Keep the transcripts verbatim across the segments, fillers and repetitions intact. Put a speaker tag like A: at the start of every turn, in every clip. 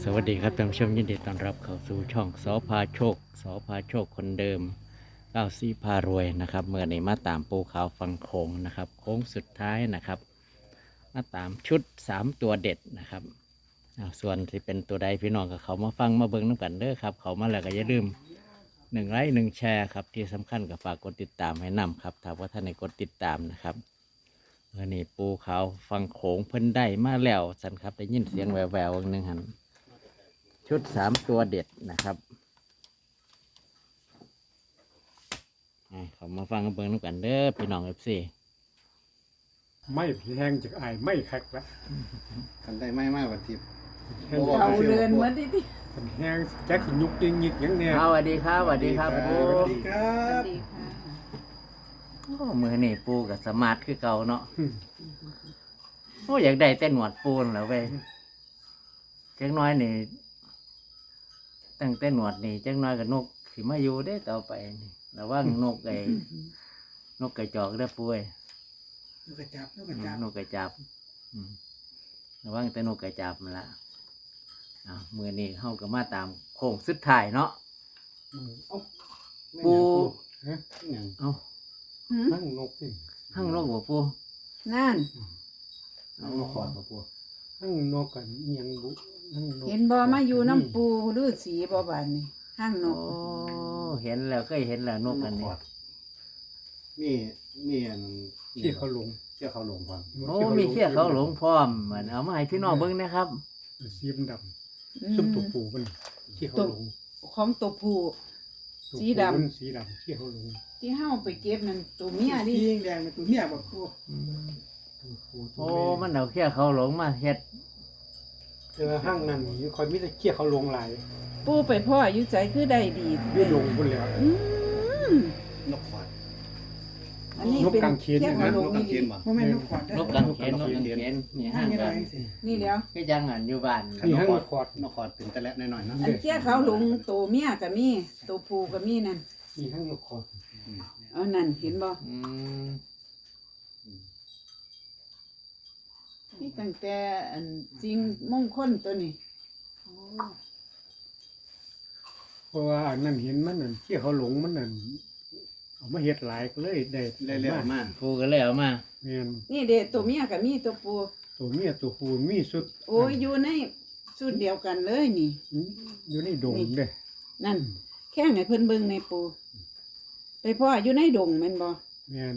A: สวัสดีครับท่านผู้ชมยินดีต้อนรับเข้าสู่ช่องสอพาโชคสอพาโชคคนเดิมเก้าซี่พารวยนะครับเมื่อนี้มาตามปูขาวฟังโค้งนะครับโค้งสุดท้ายนะครับมาตามชุดสามตัวเด็ดนะครับอ้าวส่วนที่เป็นตัวใดพี่น้องกับเขามาฟังมาเบิ้งน้ำกันเด้อครับเขามาแล้วก็อย่าลืมหนึ่งไลค์หนึ่งแชร์ครับที่สำคัญกับฝากกดติดตามให้นำครับถ้าว่าท่านในกดติดตามนะครับเมื่อนี้ปูขาวฟังโขงเพิ่นได้มาแล้วสันครับได้ยินเสียงแววแววหนึ่งหันชุดสามตัวเด็ดนะครับเขามาฟังกันเบิ่งกันเด้อพี่น้องเอฟซี
B: ไม่แห้งจากไอายไม่คักละ
C: กันได้ไม่ไม่วันทิพย์
B: แห้ง
C: บ่
B: จาก
C: บ่
D: เอาเรือนเหมือนที่ที่
B: มันแห้งแจ็คสิยุกยิงยิกอย่างเนี้ย
A: สวัสดีครับสวัสดีครับปู
C: สวัสดีครั
D: สวั
C: บ
D: สดีค่ะ
A: โอ้มือนี่ปูกับสมาร์ทคือเก่าเนาะโอ้อยากได้แต่หนวดปูนแล้วเว้ยจังน้อยนี่ตั้งแต่หนวดนี่จังน้อยกับนกสิมาอยู่ได้ต่อไปนี่ระวังนกไอ้นกกระจอกเด้อปุ้ย
C: นกกระจับนกก
A: อื
C: ระ
A: ม
C: จับ
A: นกกระจับอืมระวังแต่นกกระจับมันละอ่ามือนี่เฮาก็มาตามโค้งสุดท้ายเนาะ
C: เอ้า
A: ปู
B: ฮะ
C: ไม่หยัง
A: เอ้า
D: หืม
B: นั่งนกสิ
A: หั่งนกบ่ปู
D: นั่น
C: เอามาขอดมาปู
B: นั่งนกกันเอียงบุนั่งนก
D: เห็นบ่มาอยู่น้ำปูฤาษีบ่บานนี่ห้างน
A: โอ้
D: ก
A: เห็นแล้วเคยเห็นแล้วนกอันนี้
C: มีมีอัน
B: ที่เขาลง
C: เชื่อเขาหลงฟัง
A: โอ้มีเขี้ยเขาหลงพร้อมเหมือนเอามาให้พี่น้องเบิ่งนะครับ
B: สีดำด
D: อื
B: ำ
D: ม
B: ซุ่มตัวปูมันที่เขาลง
D: ของตัวผู้
B: ตัว
D: สี
B: ปู
D: ดำ
B: มันสีดำที่เขาลง
D: ที่เฮาไปเก็บนั่นตัวเมียดิ
C: ยิงแดงเป็นตัวเมียบ่ปู
B: ตัวปูตัว
A: โอ้
B: แ
A: มันเอาเขี้ยเขาหลงมาเฮ็ด
B: เจอห้างนั่นนี่คอยมิแต่เขี้ยเขาลงหลาย
D: ปูไปพ่ออยู่ใจคือได้ดี
B: ไม่ลงบนแล้ว
D: อืม
C: นกขอด
D: อันนี้
B: นก
D: เป็น
B: กางเขน
D: แค่
B: เนี่ย
D: หั
B: นะ
D: วลง
C: นกกา
D: นี่
C: งเข
D: ดิ
C: นบ่
E: บ่แม่นนกขอด
A: นกกางเขนนกกางเขนนี่ห้าง
E: นี่
A: กั
E: ได้
A: น
E: สิ
D: นี่แล้ว
A: ก็จังอันอยู่บ้าน
B: นี่ห้างคอด
C: นกขอดเป็นตะและหน่อยๆเนาะ
D: อันเที่ยเขาหลงตัวเมียก็มีตัวผู้ก็มีนั่น
B: นี่ห้างนกคอด
D: เอานั่นเห็นบ่
A: อืม
D: นี่ตั้งแต่อันจริงมงคลตัวนี้โอ้
B: เพราะว่าอันนั้นเห็นมันนั่นเขี้ยเขาหลงมันนั่นเอามาเฮ็ดหลายก็เลยได้
C: เรื่อยๆมา
A: ปูก็เลยเอามา
B: แม่น
D: นี่เด้ตัวเมียก็มีตัวผู้
B: ตัวเมียตัวปูมีสุด
D: โอ้ยอยู่ในสูตรเดียวกันเลยนี่
B: อยู่ในดงเด้
D: นั่น แค่ให้เพิ่นเบิ่งในปู ไปพ่ออยู่ในดงแม่นบ่
B: แม่น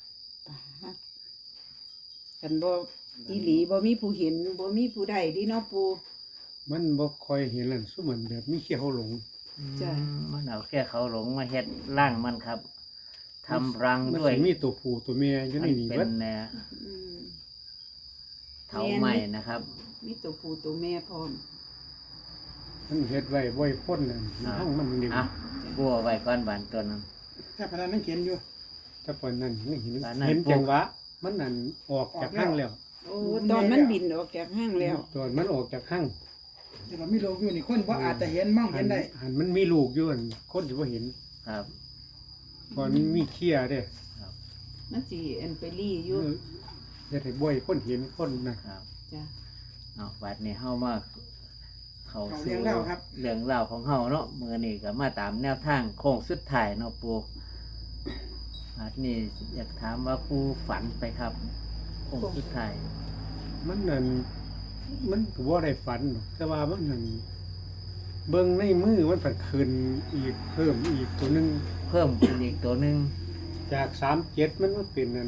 D: กันบ่อีหลีบ่มีผู้เห็นบ่มีผู้ใดดีเนาะปู
B: มันบ่ค่อยเห็นนั่นซุมันแบบมีเขี้ยวเขาหลง
D: จ้ะ
A: อืมมันเอาเขี้ยเขาหลงมาเฮ็ดร่างมันครับทำรัง
B: มัน
A: ด้วย
B: สิมีตัวผู้ตัวเมียอยู่ใน
A: มัน
B: นี้
A: เป็
B: เบิ
A: น
B: ด
A: แนว
D: อืม
A: เถาไม้นะครับ
D: มีตัวผู้ตัวแม่พร้อม
B: มันเฮ็ดไว้ไว้พ่นนั่น
A: อ่า
B: ห้างมันนี่
A: อ่ะบัวไว้ก้อนบานตัวนั้น
E: ถ้าพนันนั่งเขียนอยู่
B: ถ้าปานนั้นยังเห็น
A: ปานนั้น
B: เห็นจังหวะมันนั่นออกจากห้างแล้ว
D: โอ้ตอนมันบินออกจากห้างแล้ว
B: ตอนมันออกจากห้าง
E: แต่ว่ามีโลกอยู่นี่คนบ่อาจจะเห็นมอง
B: หั
E: เห็นได้
B: หันมันมีลูกอยู่อั่นคนสิบ่เห็น
A: ครับ
B: ตอนมันมีเขี้ยเด้
D: มันสิอันไปลี่อยู่
B: เฮ็ดให้บ่อยคนเห็นคนน่ะ
A: ครับ
D: จ้ะ
A: เอาบัดนี้เฮามาเข้า
E: เขา
A: สู่
E: เลี้ยงเล่าครับ
A: เรื่องราวของเฮาเนาะมื้อนี้ก็มาตามแนวทางโค้งสุดท้ายเนาะปูบัดนี้อยากถามว่าปูฝันไปครับโค้งสุดท้าย
B: มันนั่นมันก็บ่ได้ฝันหรอกแต่ว่ามันนั่นเบิ่งในมือมันผันขึ้นอีกเพิ่มอีกตัวหนึง
A: เพิ่มเป็นอีกตัวหนึง
B: จากสามเจ็ดมันมาเป็นอัน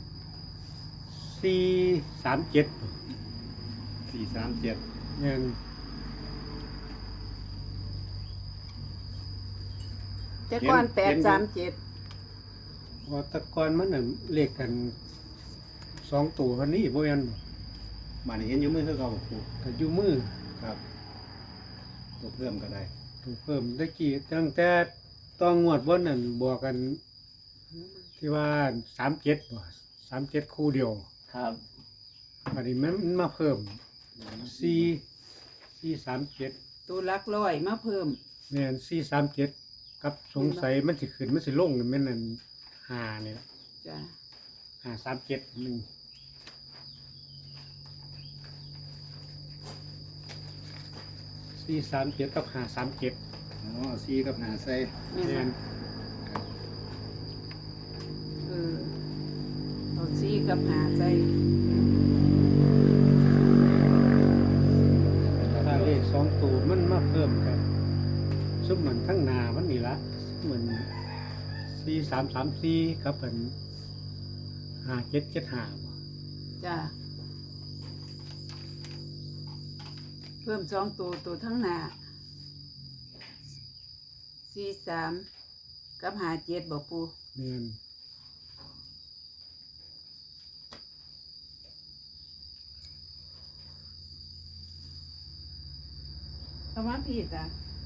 B: สี่สามเจ็ด
C: สี่สามเจ็ด
B: เนี่ย
D: แต่ก่อนแปดสามเจ็ด
B: ว่าแตะกอนมันน่ะเลขกันสองตัวคันนี้บ่แม่นบ่
C: มานี่เห็นอยู่มือคือเก่าบ่ปู
B: ก็อยู่มือ
C: ครับตัวเพิ่มก็ได้
B: ถูกเพิ่มตะกี้ตั้งแต่ต้องงวดบ่นั่นบอกกัน ที่ว่าสามเจ็ดบ่สามเจ็ดคู่เดียว
A: ครับ
B: อันนี้มันมาเพิ่มสี่สี่สามเจ็ด
D: ตัวหลักร้อยมาเพิ่ม
B: แม่นสี่สามเจ็ดกับสงสัยมันสิขึ้นมันสิลงนี่แม่นนั่นห้านี่ล่ะ
D: จ้ะ
B: ห้าสามเจ็ดหนึ่ง
D: อ
B: สี่สามเจ็ดกับห้าสามเจ็ด
C: อ๋อเอาสี่กับหาใส่
D: แม่น
B: แม่
D: บ่
B: น
D: เออเอาสี่กับหาใส่
B: ถ้าเลขสองตัวมันมาเพิ่มกันซุปเหมือนทั้งหนามันนี่ละเหมือนสี่สามสามสี่กับเป็นห้าเจ็ดเจ็ดห้า
D: จ้าเพิ่มสองตัวตัวทั้งหน้าสี่สามกับหาเจ็ดบอกปู
B: แม่น
D: เอามาผิดอ่ะ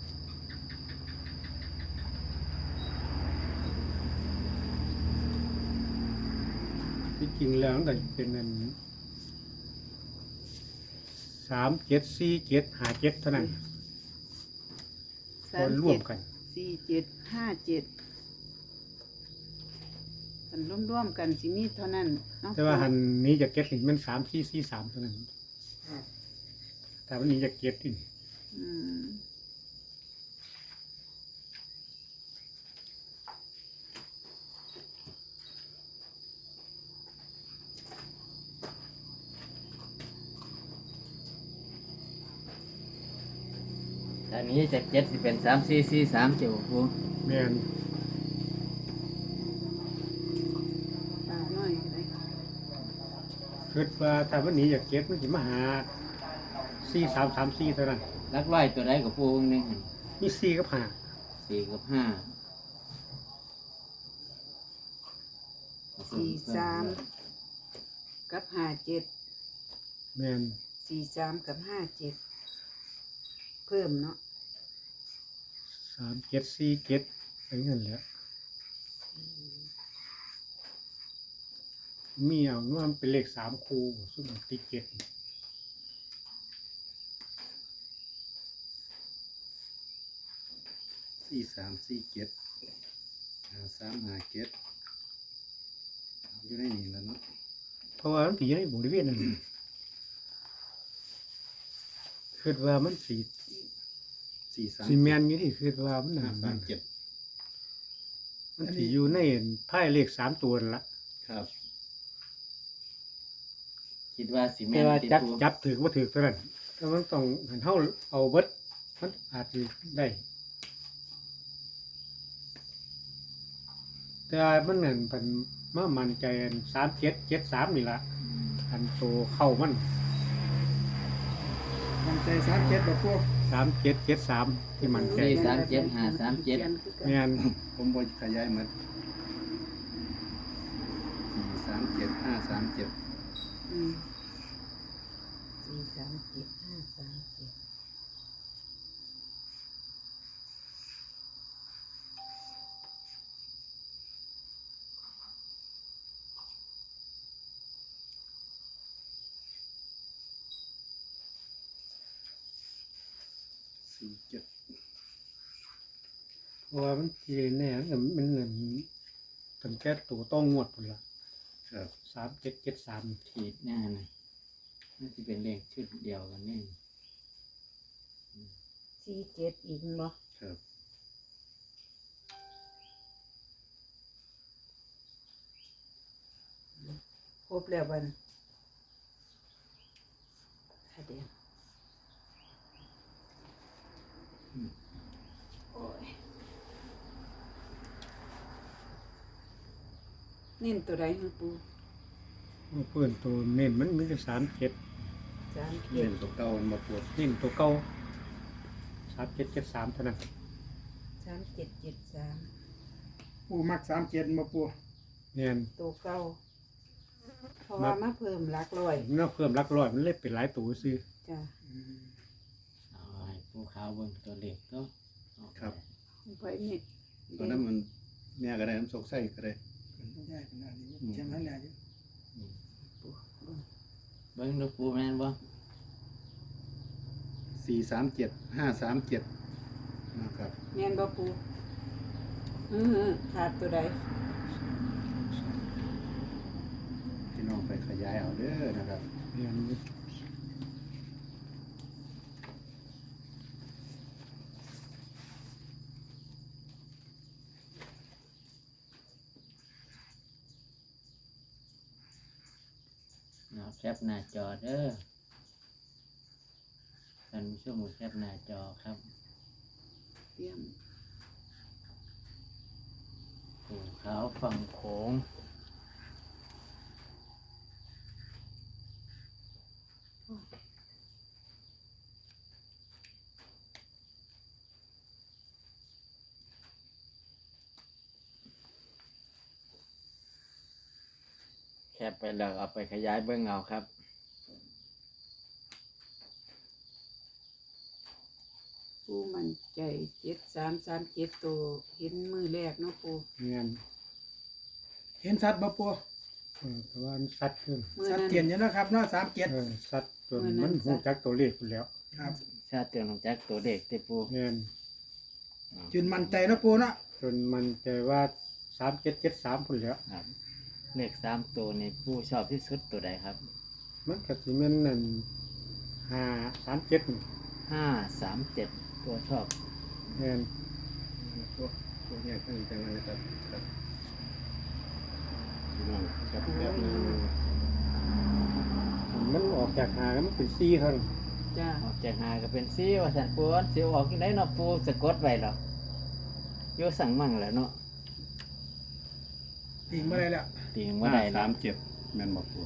B: ที่จริงแล้วมันก็เป็นอันสามเจ็ดสี่เจ็ดห้าเจ็ดเท่านั้น
D: สาม
B: รว
D: เจ็
B: ม
D: ด
B: กัน
D: สี่เจ็ดห้าเจ็ดกันร่วมๆกันสิมีเท่านั้นเนาะ
B: แต่ว่าหันนี้จะเก็ตนี่มันสามสี่สี่สามเท่านั้นแต่วันนี้จะเก็ตอีก
D: อืม
A: ตอนนี้จากเจ็ดสิเป็นสามสี่สี่สามเจ้าปู
B: แม่น
D: ปากน้อยก็ได้
B: คิดว่าถ้าวันนี้จะเก็ตมันจะมาหาสี่สามสามสี่เท่านั้น
A: ลักร้อยตัวใดกับปูนึงหั่น
B: มีสี่กับห้า
A: สี่กับห้า
D: สี่สามกับห้าเจ็ด
B: แม่น
D: สี่สามกับห้าเจ็ดเพิ่มเนาะ
B: สามเจ็ดสี่เจ็ดไปเงินแหล้วมีเอาว่ามันเป็นเลขสามคูซึ่งมันติดเจ็ด
C: สี่สามสี่เจ็ดหาสามหาเจ็ดเอาอยู่ในนี่แล้วเนาะ
B: เพราะว่ามันตีอยู่ในบริเวณนั้นคิดว่ามันสี
C: สี่สาม
B: ซีเมนต์อยู่ที่คิดว่ามัน
C: ห้า
B: นั่น
C: สามเจ็ด
B: มันสีอยู่ในไพ่เลขสามตัวนั่นละ
C: ครับ
A: คิดว่าสิแม่
B: แต่
A: น
B: ว่า
A: ติ
B: จับ
A: ปู
B: จับถือว่าถือเท่านั้นแต่มันต้องหันเท่าเอาเบิดมันอาจจะได้ แต่ว่ามันเงินเป็นมามันใจสามเจ็ดเจ็ดสามนี่ละอันโตเข้ามัน
E: มันใจสามเจ็ดบอกพวก
B: สามเจ็ดเจ็ดสามที่มันใจ
A: สี่สามเจ็ดห้าสามเจ็ด
B: แม่น
C: ผมบอขยายหมดสี่สามเจ็ดห้าสามเจ็ด
D: อืมสี่สามเจ็ดห้าสามเจ็ด
C: สี่เจ็ด
B: เพราะว่ามันทีแน่มันมันเงินตั้งแต่ตัวต้องงวดพุ่นละ
C: ครับ
B: สามเจ็ดเจ็ดสาม
A: ขีดหน้าหน่อยน่าจะเป็นเลขชุดเดียวกันนี่
D: สี่เจ็ดอีกบ่
C: ครับ
D: ครบแล้วบันถ้าเดียวโอ้ยเน้นตัวใดของปู
B: เพื่อนตัวเน้นมันมีแต่สามเจ็ด
D: สาม
C: เล่
D: เจ็ด
C: นตัวเก่ามันมาปวด
B: เน้นตัวเก่าสามเจ็ดเจ็ดสามเท่านั้น
D: สามเจ็ดเจ็ดสาม
E: ปูมักสามเจ็ดมาปู
B: แน่น
D: ตัวเก้าเพราะว่ามาเพิ่มหลักร้อย
B: มันเอาเพิ่มหลักร้อยมันเลยเป็นหลายตัวซื้อ
D: จ้ะ
A: เอาให้ปูขาวเบิ่งตัวเลขก็
C: ครับ
D: ไปนี่
C: ตอนนั้นมันเนี่ยก็ได้น้ำสกไส้ก็ได้
E: ได้ขนาดนี้เช่นนั้นแหละอยู่
D: ปูเบิ่ง
A: เบิ่งดูปูแม่นบ่
C: สี่สามเจ็ดห้าสามเจ็ดนะครับ
D: แม่นบ่ปูอือขาดตัวใด
C: พี่น้องไปขยายเอาเด้อนะครับ
B: แน่น
A: เอาแคปหน้าจอเด้อท่านผู้ชมแคปหน้าจอครับ
D: เตรียม
A: ภูเขาฝั่งโขงแคปไปแล้วเอาไปขยายเบื้องเอาครับ
D: ปูมันใจเจ็ดสามสามเจ็ดตัวเห็นมือแรกเนาะปู
B: เงี้ย
E: เห็นสัตว์บ่ปู
B: เออแต่ว่ามันสัตว์ขึ้น
D: มือ
E: สัต
D: นั้
E: ว์
D: น
E: เตียนอยู่เนาะครับเนาะสามเจ็ด
B: เออสัตว์จน
D: เมื่อนั้
B: มัน น
D: สั
B: หู
D: ตว์
B: จักตัวเลขไปแล้ว
E: ครับ
A: ชาติเตือนของแจ็คตัวเด็กติปู
B: เงี้ย
E: จุนมั่นใจเนาะปูเนาะ
B: จนมันใจว่าสามเจ็ดเจ็ดสามพุ่นแล้ว
A: ครับเลขสามตัวในผู้ชอบที่สุดตัวใดครับ
B: มันก็สิแม่นนั่นห้าสามเจ็ด
A: ห้าสามเจ็ดตัวชอบ
B: เงี้ย
C: ตัวตัวเนี้ตั้งใจมานะครับครับพี่น้องครับแบบนึง
B: มันออกจากหาแล้วมันเป็นซี่ครับ
D: จ้า
A: ออกจากหาก็เป็นซีว่าสันปูอันสิออกที่ไหนเนาะปูสะกดไว้หรอโยสั่งมั่งแหล้วเนาะ
E: ติงมาได้แล้ว
A: ตีงว่าใด
C: สา
A: นะ
C: มเจ็ดแม่นบอกตัว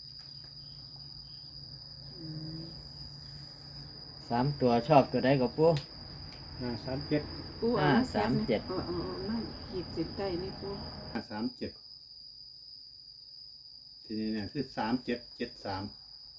D: อืม
A: สามตัวชอบตัวใดก็ปู
B: ห้าสามเจ็ด
D: ปูเอา
A: ห้า
D: มา
A: สามเจ็ด
D: เอาเอาเอามาขีดเส้นใต้นี่ปู
C: ห้าสามเจ็ดทีนี้เนี่ยคือสามเจ็ดเจ็ดสาม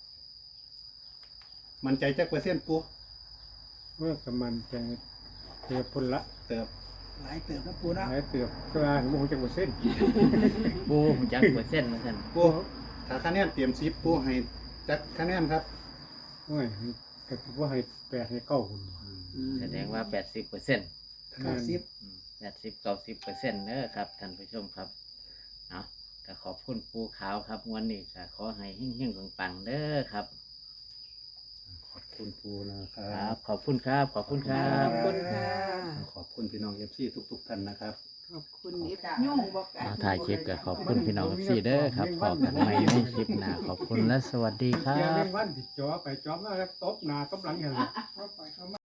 C: มันใจจักเปอร์เซ็นต์ปู
B: เมื่อกับมันจะเตือบพุ่นละ
C: เติบ
E: หลายเติบเนาะปูเนาะ
B: หลายเตือบก็ว่าหมูจักเปอร์เซ็นต์
A: ปูจักเปอร์เซ็นต์มาสัน
C: ปูถ้าคะแนนเตรียมซิปปูให้จักคะแนนครับ
B: โอ้ยก็ถือว่าให้แปดให้เก้าคน
A: แสดงว่าแปดสิบเปอร์เซ็นต์
E: เก้าสิบ
A: แปดสิบเก้าสิบเปอร์เซ็นต์เด้อครับท่านผู้ชมครับเอาก็ขอบคุณปูขาวครับวันนี้ก็ขอให้เฮงๆปังๆเด้อครับ
C: ขอบคุณปูนะค
A: ค
C: รั
A: รับ บ ขอบคุณครับ ขอบคุณครั
D: ข
A: บ
D: อบคุณค่ะ
C: ขอบคุณพี่น้องเอฟซีทุก ๆ ท่านนะครับ
D: ขอบคุณเอฟยุ่งบอกกั
A: เอาถ่ายคลิปก็ขอบคุณพี่น้องซีเด้อครับพอกันใหม่ในคลิปหน้าขอบคุณและสวัสดีครั
B: เที่ยง
A: บ
B: แมงวันที่จ่อไปจ่อมาแล้วตบหน้าตบหลังอย่างไร
E: เข้าไปเข้ามา